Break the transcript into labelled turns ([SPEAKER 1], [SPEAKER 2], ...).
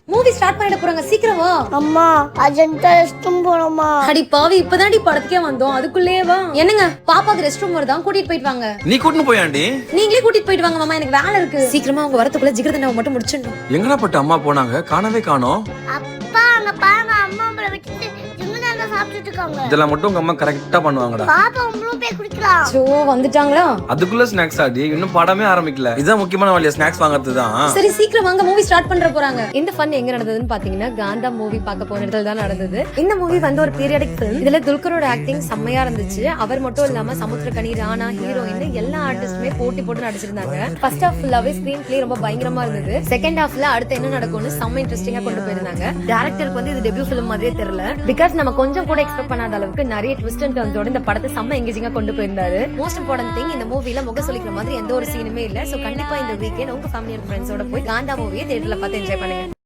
[SPEAKER 1] Movie start பண்ணிட போறாங்க, சீக்கிரம் வா.
[SPEAKER 2] அம்மா அர்ஜென்ட்டா ரெஸ்ட் ரூம் போறோமா?
[SPEAKER 1] அடி பாவி, இப்பதான்டி படத்துக்கே வந்தோம், அதுக்குள்ளே வா. என்னங்க, பாப்பாக்கு ரெஸ்ட் ரூம் வருதா, கூட்டிட்டு போயிட்டு வாங்க.
[SPEAKER 3] நீ கூட்டிட்டு போயாண்டி?
[SPEAKER 1] நீங்களே கூட்டிட்டு போயிட்டு வாங்க மாமா, எனக்கு வேலை இருக்கு. சீக்கிரமா அவங்க வரதுக்குள்ள ஜிகர்தண்டாவை மட்டும் முடிச்சிடணும்.
[SPEAKER 3] எங்கடா பட்டு அம்மா போனாங்க, காணவே காணோம்.
[SPEAKER 2] அப்பா அங்க பாருங்க, அம்மா உங்களை விட்டுட்டு ஜிங்கதாண்டா சாப்பிட்டுட்டு இருக்காங்க.
[SPEAKER 3] இதெல்லாம் மட்டும் உங்க அம்மா கரெக்டா பண்ணுவாங்கடா.
[SPEAKER 2] பாப்பா உங்களும் போய் குடிக்கலாம்.
[SPEAKER 1] சோ வந்துட்டாங்களா?
[SPEAKER 3] அதுக்குள்ள ஸ்நாக்ஸ் ஆடி, இன்னும் படமே ஆரம்பிக்கல. இதுதான் முக்கியமான வழியா, ஸ்நாக்ஸ் வாங்குறது தான்.
[SPEAKER 1] சரி சீக்கிரம் வாங்க, மூவி ஸ்டார்ட் பண்ற போறாங்க. இந்த ஃபன் எங்க நடந்ததுன்னு பாத்தீங்கன்னா காந்தா மூவி பார்க்க போன இடத்துல தான் நடந்தது. இந்த மூவி வந்து ஒரு பீரியடிக் ஃபிலிம். இதுல துல்கரோட ஆக்டிங் செம்மையா இருந்துச்சு. அவர் மட்டும் இல்லாம சமுத்திரகனி, ராணா, ஹீரோயின் எல்லா ஆர்டிஸ்டுமே போட்டி போட்டு நடிச்சிருந்தாங்க. ஃபர்ஸ்ட் ஹாஃப் ஃபுல்லாவே ஸ்கிரீன் பிளே ரொம்ப பயங்கரமா இருந்தது. செகண்ட் ஹாஃப்ல அடுத்து என்ன நடக்கும்னு செம்ம இன்ட்ரெஸ்டிங்கா கொண்டு போயிருந்தாங்க. டைரக்டருக்கு வந்து இது டெபியூ ஃபிலிம் மாதிரியே தெரியல. பிகாஸ் நம்ம கொஞ்சம் கூட எக்ஸ்பெக்ட் பண்ணாத அளவுக்கு நிறைய ட்விஸ்ட் அண்ட் டர்ன்ஸோட இந்த படத்தை செம்ம எங்கேஜிங்கா கொண்டு போயிருந்தாரு. மோஸ்ட் இம்பார்ட்டன்ட் திங், இந்த மூவில முக சொல்லிக்கிற மாதிரி எந்த ஒரு சீனுமே இல்ல. சோ கண்டிப்பா இந்த வீக்கெண்ட் உங்க ஃபேமிலி அண்ட் ஃப்ரெண்ட்ஸோட போய் காந்தா மூவியை தியேட்டர்ல பார்த்து என்ஜாய் பண்ணுங்க.